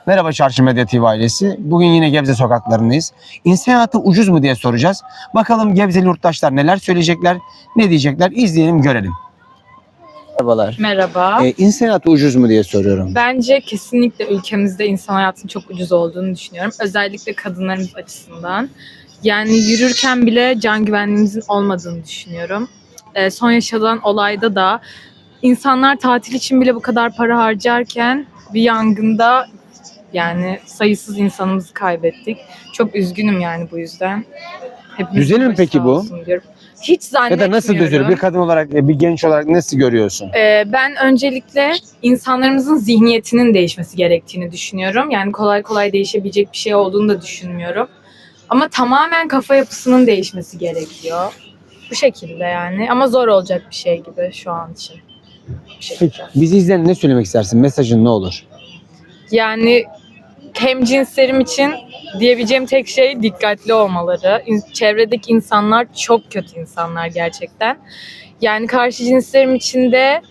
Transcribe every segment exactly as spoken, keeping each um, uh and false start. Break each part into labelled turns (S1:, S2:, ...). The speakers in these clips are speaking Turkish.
S1: Merhaba Çarşı Medya T V ailesi. Bugün yine Gebze sokaklarındayız. İnsan hayatı ucuz mu diye soracağız. Bakalım Gebzeli yurttaşlar neler söyleyecekler, ne diyecekler, izleyelim görelim. Merhabalar.
S2: Merhaba.
S1: Ee, insan hayatı ucuz mu diye soruyorum.
S2: Bence kesinlikle ülkemizde insan hayatının çok ucuz olduğunu düşünüyorum. Özellikle kadınlarımız açısından. Yani yürürken bile can güvenliğimizin olmadığını düşünüyorum. Ee, son yaşanan olayda da insanlar tatil için bile bu kadar para harcarken bir yangında yani sayısız insanımızı kaybettik. Çok üzgünüm yani bu yüzden. Hepimizin
S1: Düzelir mi
S2: başı
S1: peki
S2: sağ
S1: bu?
S2: olsun diyorum. Hiç
S1: Ya
S2: zannetmiyorum.
S1: da nasıl düzelir? Bir kadın olarak, bir genç olarak nasıl görüyorsun?
S2: Ee, ben öncelikle insanlarımızın zihniyetinin değişmesi gerektiğini düşünüyorum. Yani kolay kolay değişebilecek bir şey olduğunu da düşünmüyorum. Ama tamamen kafa yapısının değişmesi gerekiyor. Bu şekilde yani. Ama zor olacak bir şey gibi şu an için. Bu şekilde.
S1: Peki bizi izleyen ne söylemek istersin? Mesajın ne olur?
S2: Yani hemcinslerim için diyebileceğim tek şey dikkatli olmaları. İn- Çevredeki insanlar çok kötü insanlar gerçekten. Yani karşı cinslerim için de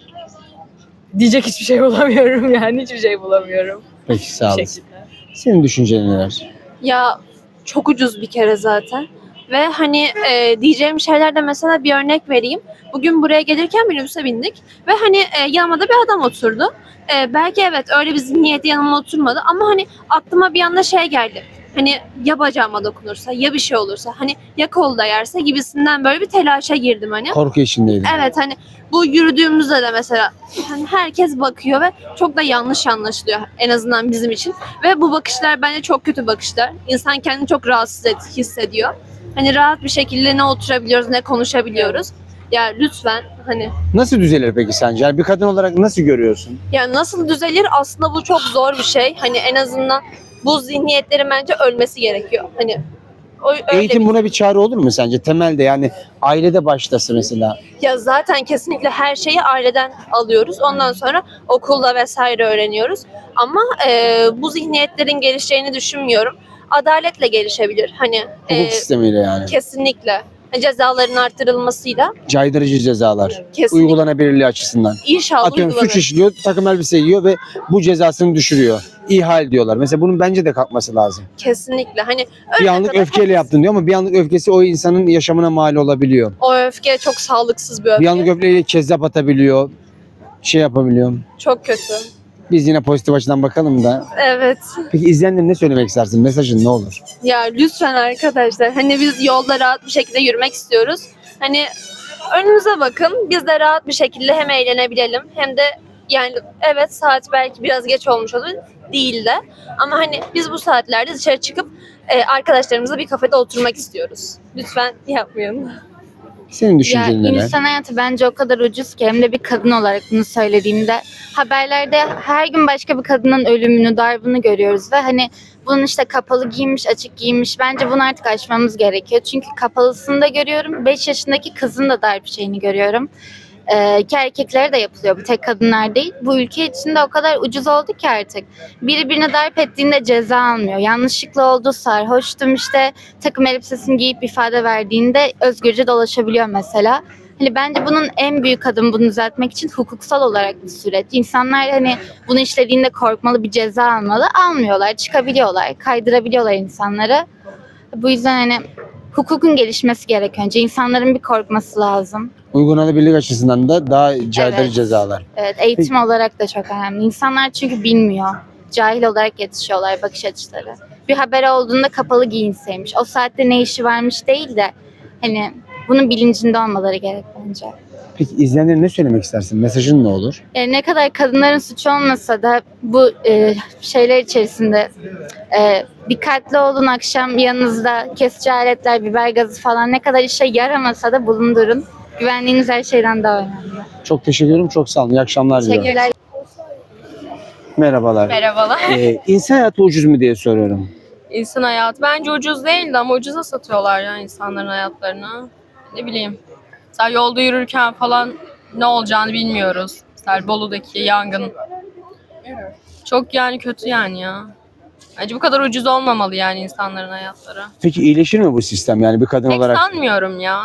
S2: diyecek hiçbir şey bulamıyorum yani hiçbir şey bulamıyorum.
S1: Peki sağ
S2: Bu
S1: olasın.
S2: şekilde.
S1: Senin düşüncen neler?
S3: Ya çok ucuz bir kere zaten. Ve hani e, diyeceğim şeylerde mesela bir örnek vereyim. Bugün buraya gelirken minibüse bindik. Ve hani e, yanıma da bir adam oturdu. E, belki evet öyle bir zihniyeti yanıma oturmadı. Ama hani aklıma bir anda şey geldi. Hani ya bacağıma dokunursa ya bir şey olursa hani ya kolda yerse gibisinden böyle bir telaşa girdim hani.
S1: Korku içindeydim.
S3: Evet hani bu yürüdüğümüzde de mesela hani herkes bakıyor ve çok da yanlış anlaşılıyor en azından bizim için. Ve bu bakışlar bence çok kötü bakışlar. İnsan kendini çok rahatsız et- hissediyor. Hani rahat bir şekilde ne oturabiliyoruz ne konuşabiliyoruz. Ya lütfen hani
S1: Nasıl düzelir peki sence? Yani bir kadın olarak nasıl görüyorsun?
S3: ya nasıl düzelir aslında bu çok zor bir şey. Hani en azından bu zihniyetlerin bence ölmesi gerekiyor. Hani o, öyle
S1: Eğitim
S3: bir-
S1: buna bir çare olur mu sence? Temelde yani ailede başlasa mesela.
S3: Ya zaten kesinlikle her şeyi aileden alıyoruz. Ondan sonra okulda vesaire öğreniyoruz. Ama e, bu zihniyetlerin gelişeceğini düşünmüyorum. Adaletle gelişebilir. Hani
S1: Hukuk
S3: e,
S1: sistemiyle yani.
S3: kesinlikle cezaların arttırılmasıyla
S1: Caydırıcı cezalar.
S3: kesinlikle
S1: Uygulanabilirliği açısından.
S3: inşallah
S1: Atıyorum suç
S3: uygulanır.
S1: işliyor, takım elbise giyiyor ve bu cezasını düşürüyor. İhal diyorlar. Mesela bunun bence de kalkması lazım.
S3: Kesinlikle. Hani
S1: Bir
S3: ölene
S1: anlık
S3: kadar
S1: öfkeyle yaptın diyor ama bir anlık öfkesi o insanın yaşamına mal olabiliyor.
S3: o öfke çok sağlıksız bir öfke.
S1: Bir anlık öfkeyle kezzap atabiliyor. Şey yapabiliyor.
S3: Çok kötü.
S1: Biz yine pozitif açıdan bakalım da.
S3: Evet.
S1: Peki izleyenlere ne söylemek istersin? Mesajın ne olur?
S3: Ya lütfen arkadaşlar hani biz yolda rahat bir şekilde yürümek istiyoruz. Hani önümüze bakın biz de rahat bir şekilde hem eğlenebilelim hem de yani evet saat belki biraz geç olmuş olur değil de ama hani biz bu saatlerde dışarı çıkıp e, arkadaşlarımızla bir kafede oturmak istiyoruz. Lütfen yapmayın.
S1: Senin
S4: Ya
S1: düşüncen neler?
S4: insan hayatı bence o kadar ucuz ki hem de bir kadın olarak bunu söylediğimde haberlerde her gün başka bir kadının ölümünü, darbını görüyoruz ve hani bunun işte kapalı giymiş, açık giymiş. Bence bunu artık aşmamız gerekiyor. Çünkü kapalısını da görüyorum. beş yaşındaki kızın da darp şeyini görüyorum. Ee, ki erkeklere de yapılıyor. Bu tek kadınlar değil. Bu ülke içinde o kadar ucuz oldu ki artık. Biri birine darp ettiğinde ceza almıyor. Yanlışlıkla oldu, sarhoştum işte takım elbisesini giyip ifade verdiğinde özgürce dolaşabiliyor mesela. Hani bence bunun en büyük adımı bunu düzeltmek için hukuksal olarak bir süreç. İnsanlar hani bunu işlediğinde korkmalı, bir ceza almalı. Almıyorlar, çıkabiliyorlar, kaydırabiliyorlar insanları. Bu yüzden hani hukukun gelişmesi gerek önce. İnsanların bir korkması lazım.
S1: Uygulanabilirlik açısından da daha caydırıcı
S4: Evet.
S1: cezalar.
S4: Evet, eğitim olarak da çok önemli. İnsanlar çünkü bilmiyor. Cahil olarak yetişiyorlar bakış açıları. Bir haber olduğunda kapalı giyinseymiş. O saatte ne işi varmış değil de hani bunun bilincinde olmaları gerek bence.
S1: Peki izleyenlere ne söylemek istersin? Mesajın ne olur?
S4: E, ne kadar kadınların suçu olmasa da bu e, şeyler içerisinde e, dikkatli olun, akşam yanınızda kesici aletler, biber gazı falan ne kadar işe yaramasa da bulundurun. Güvenliğiniz her şeyden daha önemli.
S1: Çok teşekkür ederim. Çok sağ olun. İyi akşamlar diliyorum.
S4: Teşekkürler.
S5: Merhabalar.
S6: Merhabalar.
S1: Ee, insan hayatı ucuz mu diye soruyorum.
S6: İnsan hayatı bence ucuz değildi ama ucuza satıyorlar ya insanların hayatlarını. Ne bileyim. Mesela yolda yürürken falan ne olacağını bilmiyoruz. Mesela Bolu'daki yangın. Çok yani kötü yani ya. Bence bu kadar ucuz olmamalı yani insanların hayatları.
S1: Peki iyileşir mi bu sistem? Yani bir kadın
S6: Pek
S1: olarak
S6: sanmıyorum ya.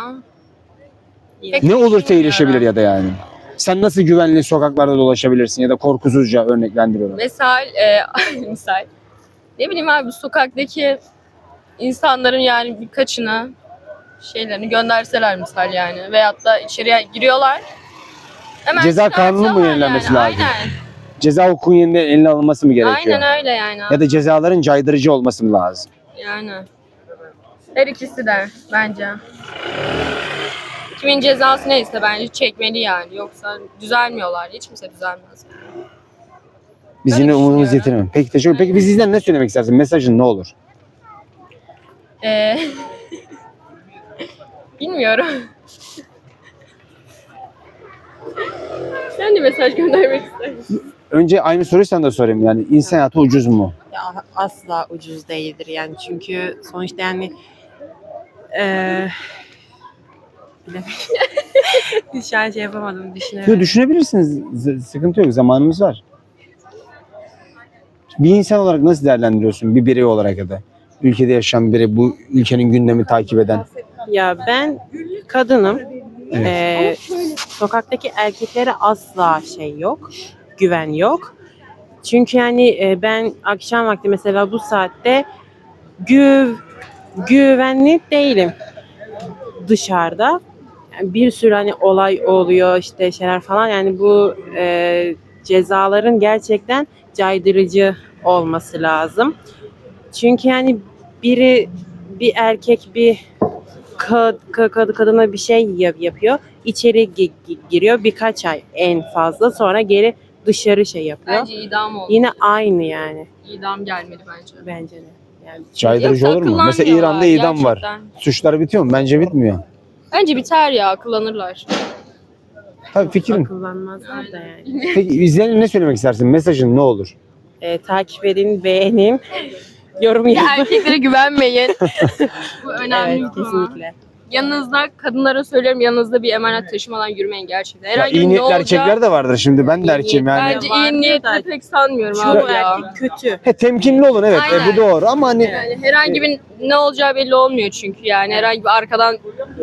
S6: Pek
S1: ne olursa
S6: düşünmüyorum.
S1: iyileşebilir ya da yani? Sen nasıl güvenli sokaklarda dolaşabilirsin ya da korkusuzca örneklendiriyorum.
S6: Misal, e, misal Ne bileyim abi, sokaktaki insanların yani birkaçını şeylerini gönderseler misal yani. Veyahut da içeriye giriyorlar. Hemen
S1: Ceza kanunu mu
S6: çıkartıyorlar
S1: yenilenmesi
S6: yani.
S1: lazım?
S6: Aynen.
S1: Ceza hukukunun yeniden eline alınması mı gerekiyor?
S6: Aynen öyle yani.
S1: Ya da cezaların caydırıcı olması mı lazım?
S6: Yani. Her ikisi de bence. Kimin cezası neyse bence çekmeli yani. Yoksa düzelmiyorlar. Hiç kimse düzelmez.
S1: Biz
S6: Öyle
S1: yine umudumuz
S6: düşünüyorum.
S1: yetirelim. Peki teşekkür Peki biz sizden ne söylemek istersin? Mesajın ne olur?
S6: Ee, bilmiyorum. Sen de mesaj göndermek ister misin?
S1: Önce aynı soruyu sana da sorayım. Yani insan hayatı ucuz mu?
S5: Ya asla ucuz değildir yani çünkü sonuçta yani eee bilemedim. Şu an şey yapamadım
S1: Yo,
S5: düşünemedim.
S1: düşünebilirsiniz. Z- sıkıntı yok. Zamanımız var. Bir insan olarak nasıl değerlendiriyorsun? Bir birey olarak ya da ülkede yaşayan biri, bu ülkenin gündemi takip eden.
S5: Ya ben kadınım.
S1: Evet.
S5: Eee, sokaktaki erkeklere asla şey yok. Güven yok. Çünkü yani e, ben akşam vakti mesela bu saatte güv güvenli değilim dışarıda. Yani bir sürü hani olay oluyor işte şeyler falan yani bu e, cezaların gerçekten caydırıcı olması lazım. Çünkü yani biri bir erkek bir kad, kad, kadına bir şey yap- yapıyor. İçeri gi- gi- giriyor birkaç ay en fazla sonra geri dışarı şey yapıyor.
S6: Bence idam oldu.
S5: Yine aynı yani
S6: İdam gelmedi bence.
S5: bence de. Yani
S1: Caydırıcı
S6: Yoksa
S1: olur mu? Mesela
S6: akıllanmıyorlar
S1: İran'da idam var.
S6: gerçekten.
S1: Suçlar bitiyor mu? Bence bitmiyor.
S6: Bence biter ya, akıllanırlar.
S1: Tabii fikrim.
S5: akıllanmazlar da yani.
S1: Peki izleyenlere ne söylemek istersin? Mesajın ne olur?
S5: Ee, takip edin, beğenin, yorum
S6: Ya
S5: yazın.
S6: erkeklere güvenmeyin. Bu önemli
S5: Evet
S6: bir konu.
S5: kesinlikle.
S6: Yanınızda, kadınlara söylüyorum, yanınızda bir emanet taşımadan yürümeyin gerçekten.
S1: Ya,
S6: Herhangi
S1: iyi
S6: bir ne
S1: niyetli
S6: olacağı...
S1: erkekler de vardır şimdi. Ben de erkeğim yani.
S6: Bence
S5: Vardır
S6: iyi niyetli
S5: da-
S6: pek sanmıyorum
S5: Çoğu
S6: abi ya.
S5: erkek kötü.
S1: He, temkinli olun evet.
S6: Aynen.
S1: E, bu doğru ama hani
S6: Yani herhangi bir ne olacağı belli olmuyor çünkü yani. Herhangi bir arkadan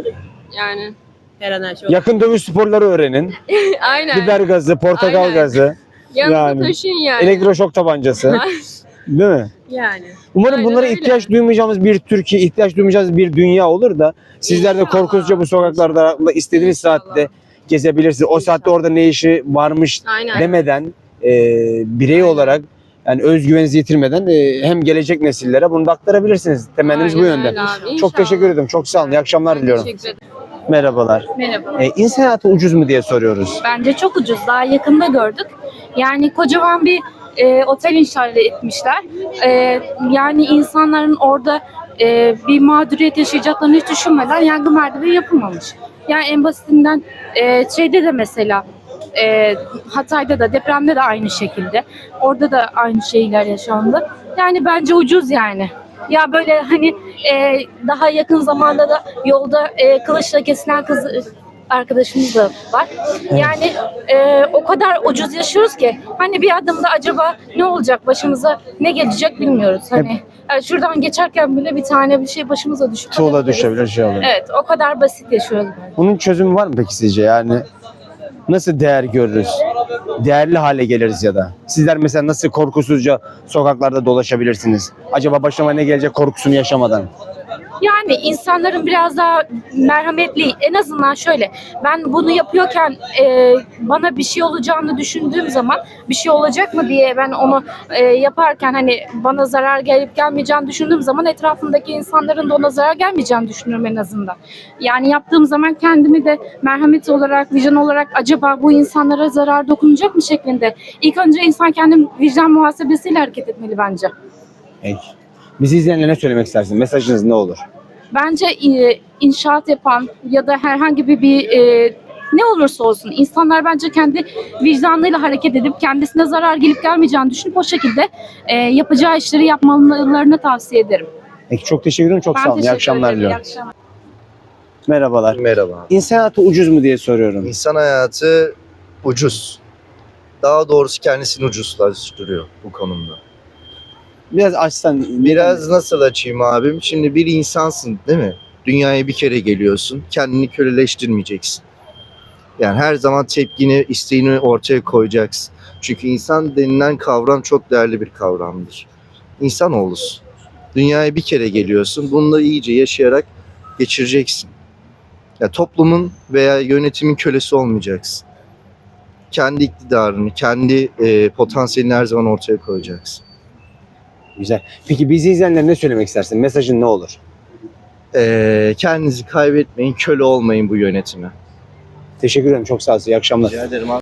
S6: yani.
S5: Her an her şey
S1: yakın dövüş sporları öğrenin.
S6: Aynen.
S1: Biber gazı, portakal
S6: Aynen.
S1: gazı,
S6: Yanınıza
S1: yani.
S6: taşıyın yani.
S1: elektroşok tabancası. Değil mi?
S5: Yani.
S1: Umarım
S6: Aynen
S1: bunlara
S6: öyle.
S1: ihtiyaç duymayacağımız bir Türkiye, ihtiyaç duymayacağımız bir dünya olur da sizler de
S6: İnşallah.
S1: korkusuzca bu sokaklarda istediğiniz
S6: İnşallah.
S1: saatte gezebilirsiniz. O saatte orada ne işi varmış
S6: Aynen.
S1: demeden e, birey olarak yani özgüveninizi yitirmeden e, hem gelecek nesillere bunu da aktarabilirsiniz. Temennimiz bu
S6: Aynen
S1: yönde.
S6: öyle abi,
S1: Çok
S6: inşallah.
S1: teşekkür ederim. Çok sağ olun. İyi akşamlar
S6: Ben
S1: diliyorum.
S6: teşekkür ederim.
S1: Merhabalar.
S7: Merhaba.
S1: E, insan hayatı ucuz mu diye soruyoruz.
S7: Bence çok ucuz. Daha yakında gördük. Yani kocaman bir e, otel inşa etmişler. E, yani insanların orada e, bir mağduriyet yaşayacaklarını hiç düşünmeden yangın merdiveni yapılmamış. Yani en basitinden e, şeyde de mesela e, Hatay'da da depremde de aynı şekilde. Orada da aynı şeyler yaşandı. Yani bence ucuz yani. Ya böyle hani e, daha yakın zamanda da yolda e, kılıçla kesilen kız arkadaşımız da var. Yani e, o kadar ucuz yaşıyoruz ki hani bir adımda acaba ne olacak başımıza ne gelecek bilmiyoruz. Hani yani şuradan geçerken bile bir tane bir şey başımıza düşüp
S1: Tuğla düşebilir, şey olur.
S7: Evet, o kadar basit yaşıyoruz.
S1: Bunun çözümü var mı peki sizce? Yani nasıl değer görürüz? Değerli hale geliriz ya da. Sizler mesela nasıl korkusuzca sokaklarda dolaşabilirsiniz? Acaba başıma ne gelecek korkusunu yaşamadan?
S7: Yani insanların biraz daha merhametli, en azından şöyle, ben bunu yapıyorken e, bana bir şey olacağını düşündüğüm zaman bir şey olacak mı diye ben onu e, yaparken hani bana zarar gelip gelmeyeceğini düşündüğüm zaman etrafımdaki insanların da ona zarar gelmeyeceğini düşünüyorum en azından. Yani yaptığım zaman kendimi de merhamet olarak, vicdan olarak acaba bu insanlara zarar dokunacak mı şeklinde. İlk önce insan kendi vicdan muhasebesiyle hareket etmeli bence.
S1: Peki. Bizi izleyenlere ne söylemek istersin? Mesajınız ne olur?
S7: Bence e, inşaat yapan ya da herhangi bir, bir e, ne olursa olsun insanlar bence kendi vicdanıyla hareket edip kendisine zarar gelip gelmeyeceğini düşünüp o şekilde e, yapacağı işleri yapmalarını tavsiye ederim.
S1: Peki çok teşekkür ederim. Çok
S7: Ben
S1: sağ olun. İyi
S7: teşekkür
S1: akşamlar
S7: ederim. İyi
S1: diliyorum.
S7: akşamlar.
S1: Merhabalar.
S8: Merhaba.
S1: İnsan hayatı ucuz mu diye soruyorum.
S8: İnsan hayatı ucuz. Daha doğrusu kendisini ucuzlaştırıyor bu konumda.
S1: Biraz açsan.
S8: Biraz nasıl açayım abim? Şimdi bir insansın değil mi? Dünyaya bir kere geliyorsun. Kendini köleleştirmeyeceksin. Yani her zaman tepkini, isteğini ortaya koyacaksın. Çünkü insan denilen kavram çok değerli bir kavramdır. İnsanoğlusun. Dünyaya bir kere geliyorsun. Bunu da iyice yaşayarak geçireceksin. Ya toplumun veya yönetimin kölesi olmayacaksın. Kendi iktidarını, kendi e, potansiyelini her zaman ortaya koyacaksın.
S1: Güzel. Peki bizi izleyenlere ne söylemek istersin? Mesajın ne olur?
S8: E, kendinizi kaybetmeyin, köle olmayın bu yönetime.
S1: Teşekkür ederim. Çok sağ olun. İyi akşamlar.
S8: Rica ederim abi.